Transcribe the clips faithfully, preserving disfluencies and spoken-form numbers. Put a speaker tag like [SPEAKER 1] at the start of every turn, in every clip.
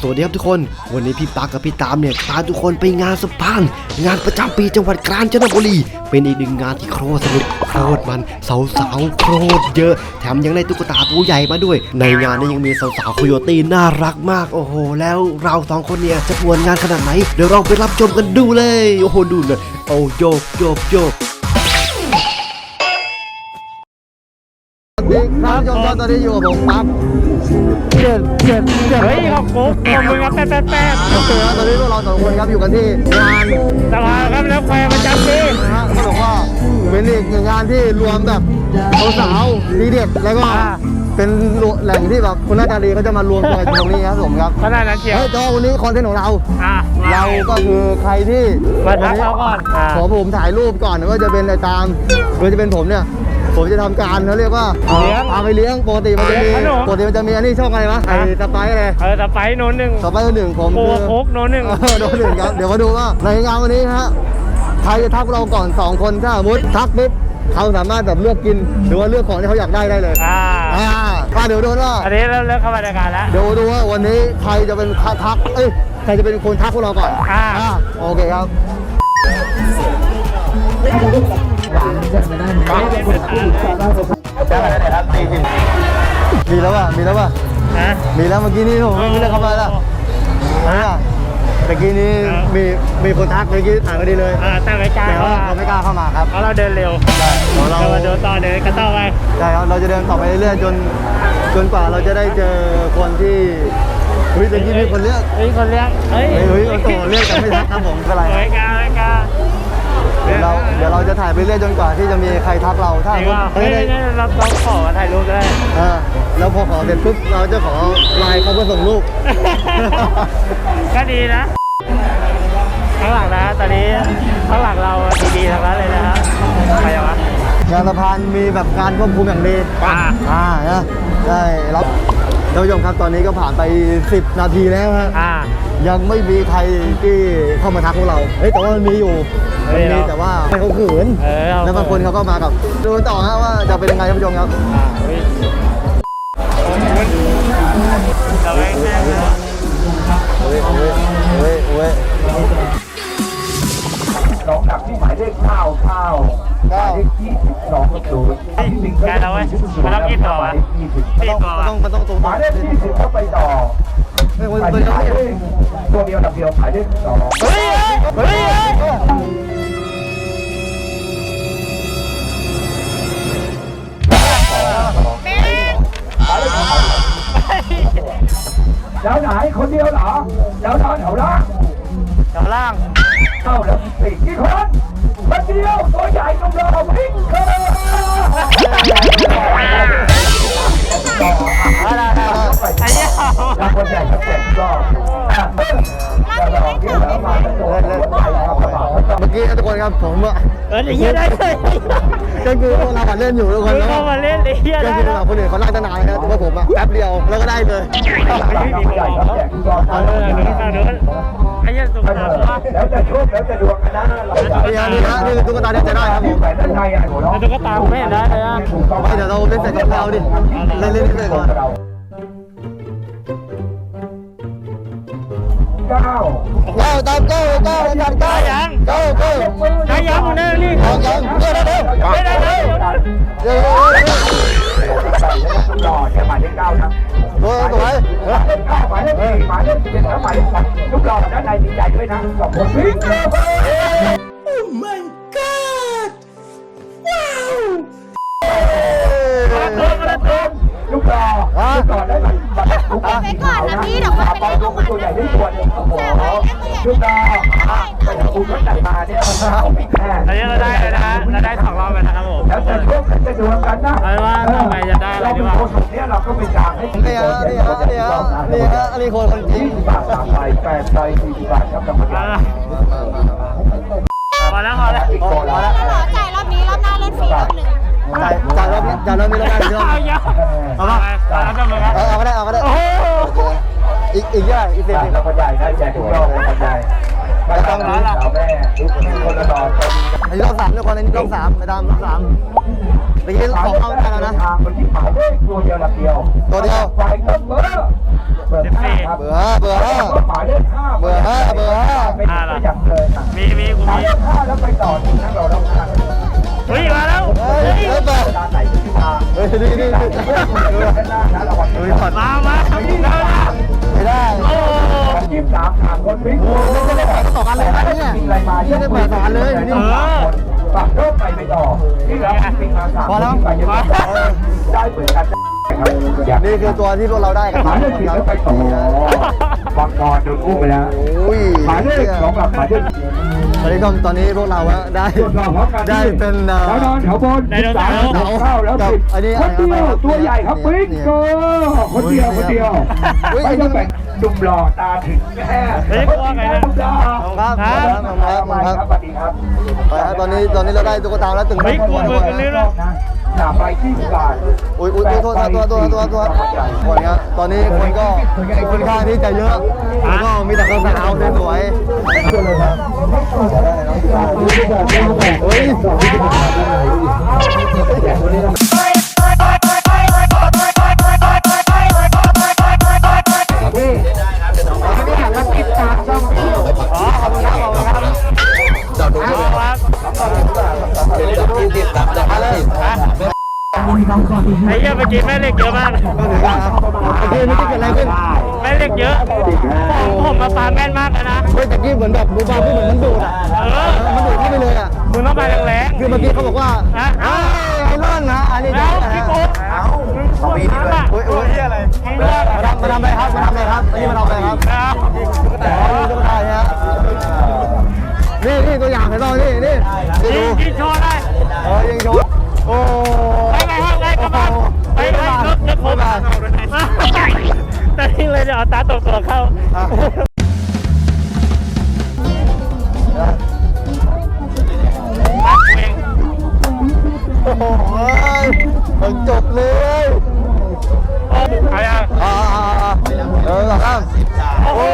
[SPEAKER 1] สวัสดีครับทุกคนวันนี้พี่ปากับพี่ตามเนี่ยพาทุกคนไปงานสปานงานประจำปีจังหวัดกาญจนบุรีเป็นอีกหนึ่งงานที่โคตรสนุกโคตรมันสาวๆโคตรเยอะแถมยังได้ตุ๊กตาตัวใหญ่มาด้วยในงานนี้ยังมีสาวๆโคโยตี้น่ารักมากโอ้โหแล้วเราสองคนเนี่ยจะปวนงานขนาดไหนเดี๋ยวเราไปรับชมกันดูเลยโอ้โหดูเลยโอ้โยกโยกโยกท่านผู้ชมตอนนี้อยู่กับผมปั๊บเจ็ดเจ็ดเจ็ด
[SPEAKER 2] เฮ้ยขอบคุณขอบคุณครับแป๊ดแป๊ดแป๊ด
[SPEAKER 1] โอเคครับตอนนี้พวกเราสองคนครับอยู่กันที่งาน
[SPEAKER 2] สภาครับแล้วแควประจำปี
[SPEAKER 1] นะฮะเขาบอกว่าเป็นอีกหนึ่งงานที่รวมแบบสาวๆดีเด็ดแล้วก็เป็นแหล่งที่แบบคุณนาตาลีเขาจะมารวมตัวกันตรงนี้ครับผมครับ
[SPEAKER 2] ขนาดนั้นเชียว
[SPEAKER 1] เฮ้ยจอวันนี้คอนเทนต์ของเรา
[SPEAKER 2] อ่ะ
[SPEAKER 1] เราก็คือใครที่
[SPEAKER 2] มาทักเราก่อนอ่า
[SPEAKER 1] ขอผมถ่ายรูปก่อนว่าจะเป็นอะไรตามโดยจะเป็นผมเนี่ยผมจะทำการเขาเรียกว่าพาไปเลี้ยงปกติมันจะมีปกติมันจะมีอันนี้ช่องอะไรวะไอ้สไปซ์อะไร
[SPEAKER 2] เออสไปโน้นหนึ่ง
[SPEAKER 1] สไปซ์หนึ่งผม
[SPEAKER 2] โค
[SPEAKER 1] คือ
[SPEAKER 2] โคกโน้นหนึ่ง
[SPEAKER 1] โดนหนึ่งครับเดี๋ยวมาดูว่าในงานวันนี้ฮะใครจะทักเราก่อนสองคนถ้าสมมติทักปุ๊บเขาสามารถแบบเลือกกินหรือว่าเลือกของที่เขาอยากได้ได้เลย
[SPEAKER 2] อ่า
[SPEAKER 1] อ่าเดี๋ยวดูว่า
[SPEAKER 2] อันนี้เริ่มเริ่มเข้ามาในการแล้ว
[SPEAKER 1] เดี๋ยวดูว่าวันนี้ใครจะเป็นทักเอ้ยใครจะเป็นคนทักพวกเราก่อน
[SPEAKER 2] อ่า
[SPEAKER 1] โอเคครับมีแล้วป่ะมีแล้วป่ะ
[SPEAKER 2] ฮะ
[SPEAKER 1] มีแล้วเมื่อกี้นี้ผมไม่ได้เข้ามาแล้วอ่าเมื่อกี้นี้มีมีคนทักเมื่อกี้ถ่ายพอดีเลย
[SPEAKER 2] อ่าตั้งไว้กลาง
[SPEAKER 1] แต่
[SPEAKER 2] เพราะ
[SPEAKER 1] ว่า
[SPEAKER 2] ว่า
[SPEAKER 1] เขาไม่กล้าเข้ามาครับ
[SPEAKER 2] เพราะเราเดินเร็ว
[SPEAKER 1] เดี๋ยวเรา
[SPEAKER 2] เรามาเดินต่อเดินกระต่อไป
[SPEAKER 1] ใช่ครับเราจะเดินต่อไปเรื่อยๆจนจนกว่าเราจะได้เจอคนที่เฮ้ยเมื่อกี้มีคนเรียก
[SPEAKER 2] เฮ้ยคนเลี้ยงเฮ้ย
[SPEAKER 1] เฮ้ยเฮ้ยโอ้โหเรียกกันไม่ทักครับผมไม่เป็นไร
[SPEAKER 2] ไว้กลางไว้กลาง
[SPEAKER 1] เดี๋ยวเราเดี๋ยวเราจะถ่ายไปเรื่อยจนกว่าที่จะมีใครทักเราถ้า
[SPEAKER 2] จริงว่า
[SPEAKER 1] เฮ้
[SPEAKER 2] เฮ้
[SPEAKER 1] ย
[SPEAKER 2] ยเนี่ยเราต้องขอถ่ายรูปได้
[SPEAKER 1] เออแล้วพอขอเสร็จปุ๊บเราจะขอไลน์เขาเพื่อส่งรูป
[SPEAKER 2] ก็ดีนะข้างหลังนะตอนนี้ข้างหลังเราดีๆทั้งนั้นเลยนะฮะใครวะ
[SPEAKER 1] งานสะพานมีแบบการควบคุมอย่างดี
[SPEAKER 2] อ่า
[SPEAKER 1] อ่านะได้รับท่านผู้ชมครับตอนนี้ก็ผ่านไปสิบนาทีแล้วฮะ
[SPEAKER 2] อ่า
[SPEAKER 1] ยังไม่มีใครที่เข้ามาทักพวกเราเฮ้ยแต่ว่ามันมีอยู่มันมีแต่ว่าไม่เขาขืน
[SPEAKER 2] เออ
[SPEAKER 1] แล้วบางคนเขาก็มากับดูต่อฮะว่าจะเป็นยังไงท่านผู้ชมครับ
[SPEAKER 2] อ่าเฮ้ยเราไม่แน่เลย
[SPEAKER 1] เฮ้ยเฮ้ยเฮ้ยเฮ้ย
[SPEAKER 3] น้องดักที่หมายเลขเก้าเก้าหมายเลขยี่สิบสองศูนย์
[SPEAKER 2] แกเราเว้ยมันต้องกินต่อวะ
[SPEAKER 3] ยี่สิบ
[SPEAKER 2] กินต่อ
[SPEAKER 1] มันต้องมันต้องตรง
[SPEAKER 3] หมายเลขยี่สิบเข้าไปต่อ
[SPEAKER 1] เฮ้ย
[SPEAKER 3] หมาย
[SPEAKER 1] ตัว
[SPEAKER 3] เล
[SPEAKER 1] เดียว
[SPEAKER 3] ขตัวเดียวดับเดียวหมายเลขสอง
[SPEAKER 2] เฮ้ยเฮ้ย
[SPEAKER 3] แล้วไหนคนเดียวเหรอแล้วนอนแถวล่าง
[SPEAKER 2] แถวล่าง
[SPEAKER 3] เอ้าแล้วสี่กี่คนคนเดียวตัวใหญ่กำลังวิ่งเข้ามาต่อ
[SPEAKER 2] อะไรไอ้เหี้ย
[SPEAKER 3] แล้วคนใหญ่ก็เจ็บก็จะลองที่แล้วมาแล้วโดนหัวใจเข้ากระเป๋า
[SPEAKER 1] เมื่อกี้ทุกคนครับผมอะ
[SPEAKER 2] เออไอ้เหี้ยได้เลย
[SPEAKER 1] ก็คือพวกเราเล่นอยู่ทุกคน
[SPEAKER 2] มึง
[SPEAKER 1] แล้ว
[SPEAKER 2] เข้ามาเล่นไอ้เหี้ย
[SPEAKER 1] ก็
[SPEAKER 2] ได้
[SPEAKER 1] คือ
[SPEAKER 2] แล้ว
[SPEAKER 1] คนอื่นเขาลากตั้งนานครับแต่ว่าผมอะแป๊บเดียวแล้วก็ได้เลย
[SPEAKER 2] ไม่มีคนบอกเขาเออเดินเดินไอ้เหี้ยสุดท้ายว่า
[SPEAKER 3] แล้วจะชุบแล้วจะดวงกันนะเราจะ
[SPEAKER 1] นี่ฮะนี่ฮะนี่คือตุ๊กตาที่จะได้ครับผม
[SPEAKER 3] แหวนด้านในอ่ะหนูเนาะ
[SPEAKER 2] แล้วตุ๊กตาไม่เห็นได้เลยอ่ะ
[SPEAKER 1] ไม่เดี๋ยวเราเล่นเสร็จกับเราดิเล่นเล่นเสร็จก่อน
[SPEAKER 3] เก้า
[SPEAKER 1] เก้าตามเก้าเก้าตามเก้า
[SPEAKER 2] ยัง
[SPEAKER 1] เก้าเก้า
[SPEAKER 2] ได้ยังมึงได้นี่
[SPEAKER 1] เอายังเก้าเร็ว
[SPEAKER 2] ไม่ได้เลย
[SPEAKER 1] เร็ว
[SPEAKER 3] หล่อใช่หมายเลขเก้านะ
[SPEAKER 1] เร็วสวย
[SPEAKER 3] หมายเลขเก้าหมายเลขสี่หมายเลขสิบเอ็ดแล้วหมายเลขแปดลูกหล่อด้านในดีใจด้วยนะสองคนวิ่งเร็วไปลูกหล่อลูกหล่อได้ไหม
[SPEAKER 4] ไปก่อนนะพี่เดี๋ยวคนไปเล่นของมัน
[SPEAKER 3] ตัวใหญ่
[SPEAKER 4] นะ
[SPEAKER 3] ได้ตัวนึงโอ้โหลูกหล่อแต่กูก็จัดมาเนี่ยต้องปิดแน่
[SPEAKER 2] อันนี้เราได้แล้วนะเราได้สองรอบแล้วนะครับผม
[SPEAKER 3] แล้วจะชกจะดวลกันนะ
[SPEAKER 2] เอาว่าต่อไปจะได้อะไร
[SPEAKER 3] เรา
[SPEAKER 2] ดี
[SPEAKER 3] เป็น
[SPEAKER 2] วะ
[SPEAKER 3] โค้ชเนี่ยเราก็เป็นกลางให้
[SPEAKER 1] นี่ฮะนี่ฮะนี่ฮะนี่ฮะอันนี้คนคนจริง
[SPEAKER 3] บาทสามใบแปดใบสี่สิบบาทครับกรรมการ
[SPEAKER 2] พอแล้วพอแล้ว
[SPEAKER 1] พอแล้ว
[SPEAKER 4] ขอจ่ายรอบนี้รอบหน้าเล่นฟรีรอบหนึ่ง
[SPEAKER 1] จ่ายจ่ายรอบนี้จ่ายรอบนี้แล้วกันเยอะ
[SPEAKER 2] เอาเยอะเอาไปเอาจะมึงครับ
[SPEAKER 1] เอาก็ได้เอาก็ได้
[SPEAKER 2] โอ้โห
[SPEAKER 1] อีกอีกเยอะอีกสิบ
[SPEAKER 3] เราบรรยายได้แจกทุกรอบเลยบรรยายไม่ต้องรู้สาวแม่ทุกคนละดอน
[SPEAKER 1] อันนี้รอบสามทุกคนอันนี้รอบสามไปตามรอบสามเมื่อกี้สองเอาได้แล้วนะ
[SPEAKER 3] ทางคนที่หมายเลขตัวเดียวหลักเดียว
[SPEAKER 1] ตัวเดียว
[SPEAKER 3] ไฟก็เบอร์เบอร์ห้าครับ
[SPEAKER 1] เบื่อเบื่อ
[SPEAKER 3] หมายเลขห้า
[SPEAKER 1] เบอร์ห้าเบอร์ห้า
[SPEAKER 3] เป็นตัวอย่างเลยนะ
[SPEAKER 2] มีมีกู
[SPEAKER 3] หมาย
[SPEAKER 2] มี
[SPEAKER 3] เลขห้าแล้วไปต่อที่นั่งเราต้องการ
[SPEAKER 2] เฮ้ยมาแล้ว
[SPEAKER 1] เฮ้ย
[SPEAKER 2] เฮ้ย
[SPEAKER 1] เฮ้ยแบบ
[SPEAKER 3] ด้านไหนเป็นที่ทาง
[SPEAKER 1] เฮ้ยนี่นี่นี่
[SPEAKER 3] ด้านหน้านะระวัง
[SPEAKER 1] เฮ้ยถอด
[SPEAKER 2] มามาทำกูแล้วนะ
[SPEAKER 1] ไม่ได้
[SPEAKER 2] โอ้
[SPEAKER 3] ยี่สิบสามทางคนวิ่ง
[SPEAKER 1] ไม่ได้แผลสองอันเลยนะเนี่ย
[SPEAKER 3] วิ่งอะไรมา
[SPEAKER 1] ไม่ได้แผลสองอันเลยนี่
[SPEAKER 3] ปรับเพิ่มไปไปต่อที่เราวิ่งมาสาม
[SPEAKER 1] พอแล้ว
[SPEAKER 3] ไปยังได้เหมือนกันนะครับ
[SPEAKER 1] นี่คือตัวที่พวกเราได้กัน
[SPEAKER 3] หมายเลขสี่แล้วไปต่อบังกรโดนอุ้มไปแล้ว
[SPEAKER 1] โอ้ย
[SPEAKER 3] หมายเลขสองหลักหมายเลข
[SPEAKER 1] ตอนนี้ก็ตอนนี้พวกเราอะได้ได้เป็นเอ่อ
[SPEAKER 3] แถวนอนแถวบนสามเข้าแล้วสิบคนเดียวตัวใหญ่ครับบิ๊กเกอร์คนเดียวคนเดียวไม่ต้องแบ่งดุมหล่อตาถึงแม่
[SPEAKER 2] เฮ้ยกลัวไงเนี่ย
[SPEAKER 1] ขอบคุณครับขอบคุณครับขอบคุณครับ
[SPEAKER 3] สวัสดีครับ
[SPEAKER 1] ไปครับตอนนี้ตอนนี้เราได้ตุ๊กตาแล้วถึง
[SPEAKER 2] เฮ้ยกลัวมือกันลื่นเลย
[SPEAKER 3] หนาไปที่กาด
[SPEAKER 1] อุ้ยอุ้ยอุ้ยโทษตัวตัวตัวตัวตัวคนเนี้ยตอนนี้คนก็ค่อนข้างที่จะเยอะแล้วก็มีแต่สาวๆสวยๆเฮ้ย
[SPEAKER 2] ไอ้เหี้ยเมื่อกี้แม่เหล็กเยอะมาก
[SPEAKER 1] โอเคไม่ได้เกิดอะไรขึ้น
[SPEAKER 2] แม่เหล็กเยอะผมผมมาปาแม่นมากเลยนะ
[SPEAKER 1] เฮ้ยตะกี้เหมือนแบบบูบาพูดเหมือนมันดูดอ่ะ
[SPEAKER 2] เออ
[SPEAKER 1] มันดูดเข้าไปเลยอ่ะ
[SPEAKER 2] มึงต้องไปแรง
[SPEAKER 1] คือเมื่อกี้เขาบอกว่า
[SPEAKER 2] ๆนะ
[SPEAKER 1] เอ้ยไอ้ร่อนนะอันนี้
[SPEAKER 2] แล้
[SPEAKER 1] ได้
[SPEAKER 2] วพี่โก้มึงพูดมากอะ
[SPEAKER 1] โอ้ยโอ้ยอะไร
[SPEAKER 2] มึงเลือก
[SPEAKER 1] มาทำมาทำอะไรครับมาทำอะไรครับอันนี้มาทำอะไรครับ
[SPEAKER 2] นะ
[SPEAKER 1] อ๋อตุ๊กตาเนี่ยนี่นี่ตัวอย่างให้เรานี่นี่นี่
[SPEAKER 2] ยิ
[SPEAKER 1] ดู
[SPEAKER 2] งยิงโชว์ได้
[SPEAKER 1] เออยิงโชว์โอ้
[SPEAKER 2] ไปไงครับไงกระบะไปไงรถจะครบแต่ที่เลยจะเอาตาตกตัวเข้า ปักเอง
[SPEAKER 1] โอ้โหมันจบเลย
[SPEAKER 2] เอายัง
[SPEAKER 1] อ่าเออสองข้าม
[SPEAKER 2] โอ้โห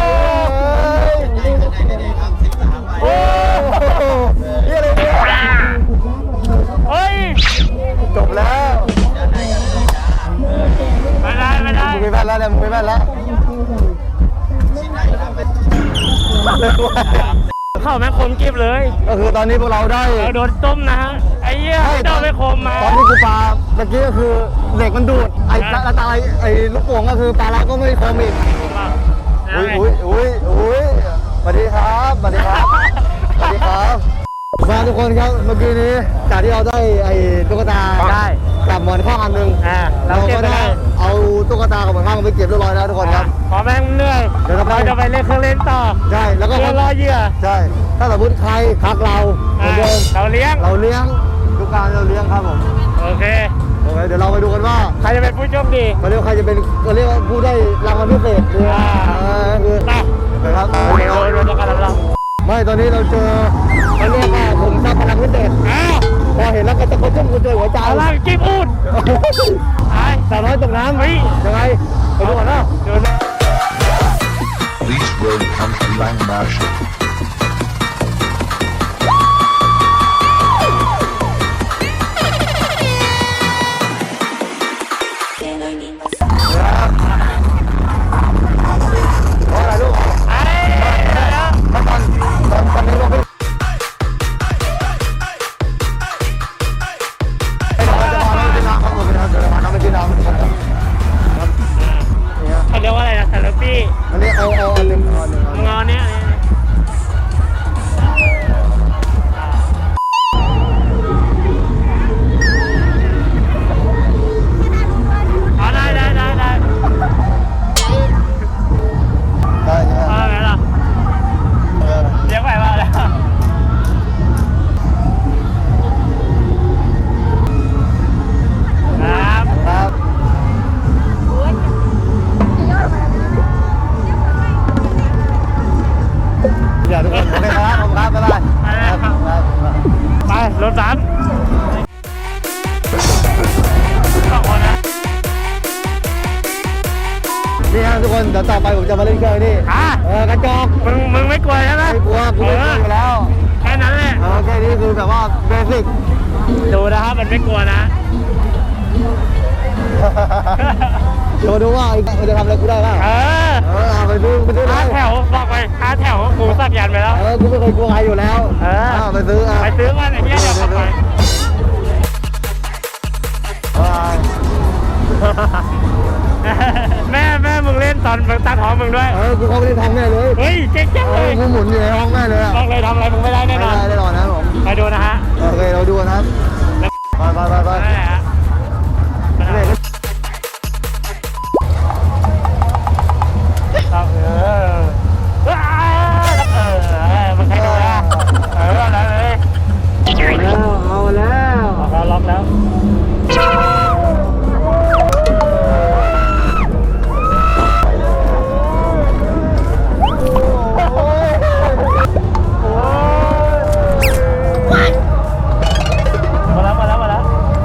[SPEAKER 1] โอ้โหนี่อะไรเนี่ย
[SPEAKER 2] เฮ้ย
[SPEAKER 1] จบแล้ว
[SPEAKER 2] ไม่ได้ไม่ได้
[SPEAKER 1] มึงไม่แม่นแล้วเนี่ยมึงไม่แม่นแล้ว
[SPEAKER 2] เข้าแม่งคมกิบเลย
[SPEAKER 1] ก็คือตอนนี้พวกเราได้
[SPEAKER 2] เราโดนต้มนะฮะไอ้เหี้ยโดนไปคมมา
[SPEAKER 1] ตอนที่กูปาเมื่อกี้ก็คือเหล็กมันดูดไอ้ตาตาไอ้ลูกโป่งก็คือปลาเราก็ไม่คมอีกอุ้ยอุ้ยอุ้ยอุ้ยสวัสดีครับสวัสดีครับสวัสดีครับมาทุกคนครับเมื่อกี้นี้จากที่เราได้ไอ้ตุ๊กตา
[SPEAKER 2] ได้
[SPEAKER 1] กับหมอนข้างอันหนึ่ง
[SPEAKER 2] อ่าเรา
[SPEAKER 1] เรา
[SPEAKER 2] เก็บ
[SPEAKER 1] ก็
[SPEAKER 2] ไป
[SPEAKER 1] ได้
[SPEAKER 2] แล้ว
[SPEAKER 1] เอาตุ๊กตากับหมอนข้างไปเก็บเรียบร้อยแล้วทุกคนครับ
[SPEAKER 2] พอแม่งเหนื่อย
[SPEAKER 1] เดี๋ยวเราไป
[SPEAKER 2] เราจะไปเล่นเครื่องเล่นต่อ
[SPEAKER 1] ใช่แล้วก็
[SPEAKER 2] เพื่อรอเหยื่อ
[SPEAKER 1] ใช่ ถ้าสมมติใครทักเราเหมือนเดิม
[SPEAKER 2] เราเลี้ยง
[SPEAKER 1] เราเลี้ยงทุกการเราเลี้ยงครับผม
[SPEAKER 2] โอเค
[SPEAKER 1] โอเคเดี๋ยวเราไปดูกันว่า
[SPEAKER 2] ใครจะเป็นผู้โชคดี
[SPEAKER 1] เขาเรียกว่าใครจะเป็นเขาเรียกว่าผู้ได้รางวัลพิเศษคือ
[SPEAKER 2] อ่า
[SPEAKER 1] เออคือ
[SPEAKER 2] ไป
[SPEAKER 1] นะครับ
[SPEAKER 2] โดยโดยการรับรอง
[SPEAKER 1] ไม่ตอนนี้เราเจอเขาเรียกว่าผมทราบพลังพิเศษ
[SPEAKER 2] อ้าว
[SPEAKER 1] พอเห็นแล้วก็จะกระชุ่มกระชวยหัวใจ
[SPEAKER 2] เอาล่างกิ๊บอูดไป
[SPEAKER 1] สาวน้อยตกน้ำ
[SPEAKER 2] เฮ้ย
[SPEAKER 1] ยังไงไปดูก่อนนะ
[SPEAKER 2] เดี๋ยวนะ
[SPEAKER 5] This road comes to Lang Marshall.
[SPEAKER 1] ขออะไรลูก
[SPEAKER 2] ไปแล้ว
[SPEAKER 1] ตอนตอนตอนนี้ลงไปไอ้เราจะมาไม่กินน้ำครับผมนะครับเดี๋ยวเรามาน้ำไม่กินน้ำครับ
[SPEAKER 2] เขาเรียกว่าอะไรนะซาลปี้
[SPEAKER 1] อันนี้เอาเอาอันหนึ่งเอาอันหนึ่งเอาอันหนึ่ง
[SPEAKER 2] งอเนี้ยเอาได้ได้ได้ได้
[SPEAKER 1] ได้ใช่ไหม
[SPEAKER 2] เอาไงล่ะ
[SPEAKER 1] เออ
[SPEAKER 2] เลี้ยงไปว่าแล้วครับ
[SPEAKER 1] ครับ เดี๋ยวทุกคนโอเคครับผมครับบ๊ายบายครับครับ
[SPEAKER 2] ไปรถสามสองคนนะ
[SPEAKER 1] นี่ฮะทุกคนเดี๋ยวต่อไปผมจะมาเล่นเครื่องนี่
[SPEAKER 2] อ่ะ
[SPEAKER 1] เออกระจอก
[SPEAKER 2] มึงมึงไม่กลัวใช่ไหม
[SPEAKER 1] ไม่กลัวกูไม่กลัวอยู่แล้ว
[SPEAKER 2] แค่นั้นแหละ
[SPEAKER 1] เออโอเคดีนี่คือแบบว่าเบสิก
[SPEAKER 2] ดูนะครับมันไม่กลัวนะ
[SPEAKER 1] เดี๋ยวดูว่าไอ้มันจะทำอะไรกูได้บ้าง
[SPEAKER 2] เออ
[SPEAKER 1] เออเอาไปดูไปดูเล
[SPEAKER 2] ห้ายแถวบอกไปห้าแถวกูสักยันไปแล้ว
[SPEAKER 1] เออกูไม่เคยกลัวใครอยู่แล้ว
[SPEAKER 2] เออ
[SPEAKER 1] เอาไปซื้ออ่ะ
[SPEAKER 2] ไปซื้อมันไอ้เหี้ยเดี๋ยวกลับไป แม่แม่มึงเล่นตอนตั้งท้องมึงด้วย
[SPEAKER 1] เออกูเข้าไปในท้องแม่เลย
[SPEAKER 2] เฮ้ยเจ๊งจัง
[SPEAKER 1] เอ
[SPEAKER 2] เล
[SPEAKER 1] อย กูหมุนอยู่ในห้องแม่เลยอะ
[SPEAKER 2] บอกเลยทำอะไรมึงไม่ได้แน่นอน
[SPEAKER 1] ไม่ได้แน่นอนนะผม
[SPEAKER 2] ไปดูนะฮะ
[SPEAKER 1] โอเคเราดูนะครับไปไปไปไป
[SPEAKER 2] นั่นแหละฮะ ครับเออว้าวเออมันใครดูนะเอออะไรเลย
[SPEAKER 1] แล้วเอาแล้ว
[SPEAKER 2] เราล็อกแล้วมาแล้วมาแล้วมาแล้ว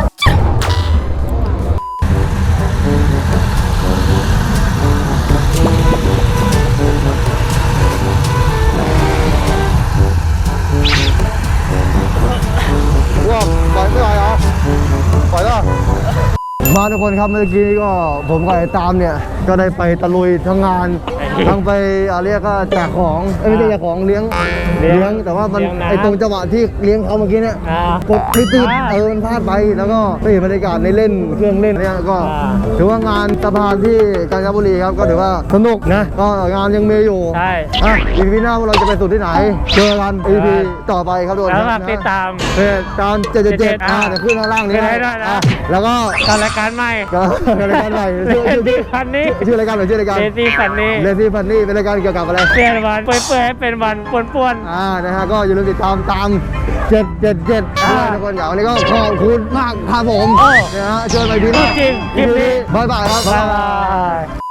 [SPEAKER 1] ว่าปล่อยไม่ไหวเหรอปล่อยแล้วมาทุกคนครับเมื่อกี้ก็ผมกับไอ้ตามเนี่ยก็ได้ไปตะลุยทั้งงานทั้งไปอะไรก็แจกของเอ้ยไม่ใช่แจกของเลี้ยงเลี้ยงแต่ว่ามันไอ้ตรงจังหวะที่เลี้ยงเขาเมื่อกี้เนี่ย
[SPEAKER 2] อ่าก
[SPEAKER 1] ดไม่ติดเออมันพลาดไปแล้วก็ไปเห็นบรรยากาศในเล่นเครื่องเล่นเนี่ยก็
[SPEAKER 2] อ่า
[SPEAKER 1] ถือว่างานสะพานที่กาญจนบุรีครับก็ถือว่าสนุกนะก็งานยังมีอยู่
[SPEAKER 2] ใช่
[SPEAKER 1] อ่ะอีพีหน้าพวกเราจะไปสุดที่ไหนเจอกันอีพีต่อไปครับทุกคน
[SPEAKER 2] แล้ว
[SPEAKER 1] ค
[SPEAKER 2] ฝา
[SPEAKER 1] รั
[SPEAKER 2] ก
[SPEAKER 1] บ
[SPEAKER 2] ติดตาม
[SPEAKER 1] เพจตามเจ็ดเจ็ดเจ็ดอ่า
[SPEAKER 2] อ่า
[SPEAKER 1] เดี๋ยวขึ้นข้างล่างนี้
[SPEAKER 2] ขึ้นให้ด้วยนะ
[SPEAKER 1] อ่แล้วก็
[SPEAKER 2] ตอนรายการใหม่
[SPEAKER 1] ก็รายการใหม่
[SPEAKER 2] เด
[SPEAKER 1] ชื่อชื่อ
[SPEAKER 2] ซี่ฟันนี่
[SPEAKER 1] ชื่อรายการหรือชื่อรายการ
[SPEAKER 2] เดซี่ฟันนี่
[SPEAKER 1] เลซี่ฟันนี่เป็นรายการเกี่ยวกับอะไร
[SPEAKER 2] เปลี่ยนวันเปื่อยๆให้เป็นวันป่วน
[SPEAKER 1] อ่านะฮะก็อย่าลืมติดตามตามเจ็ดเจ็ดเจ็ด
[SPEAKER 2] อ่า
[SPEAKER 1] ทุกคนอย่างวันนี้ก็ขอบคุณมากครับผม
[SPEAKER 2] โอ้
[SPEAKER 1] นะฮะเชิญไปพี่หน้า
[SPEAKER 2] จริงคลิปนี้
[SPEAKER 1] บายบายครับ
[SPEAKER 2] ๆบ๊ายบาย